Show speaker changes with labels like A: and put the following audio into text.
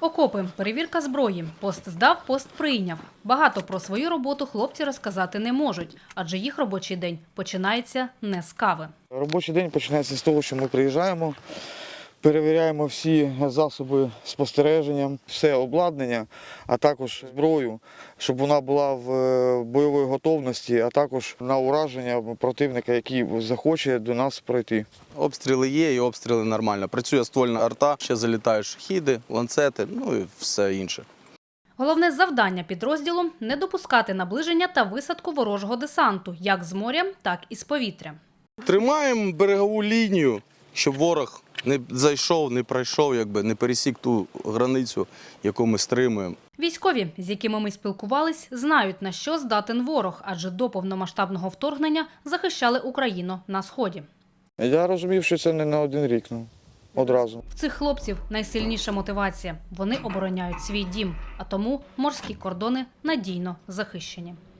A: Окопи, перевірка зброї, пост здав, пост прийняв. Багато про свою роботу хлопці розказати не можуть, адже їх робочий день починається не з кави.
B: Робочий день починається з того, що ми приїжджаємо, перевіряємо всі засоби спостереження, все обладнання, а також зброю, щоб вона була в бойовій готовності, а також на ураження противника, який захоче до нас пройти.
C: Обстріли є і обстріли нормально. Працює ствольна арта, ще залітають шахіди, ланцети, ну і все інше.
A: Головне завдання підрозділу – не допускати наближення та висадку ворожого десанту, як з моря, так і з повітря.
C: Тримаємо берегову лінію, щоб ворог не зайшов, не пройшов, не пересік ту границю, яку ми стримуємо.
A: Військові, з якими ми спілкувались, знають, на що здатен ворог, адже до повномасштабного вторгнення захищали Україну на Сході.
B: Я розумів, що це не на один рік, одразу.
A: В цих хлопців найсильніша мотивація – вони обороняють свій дім, а тому морські кордони надійно захищені.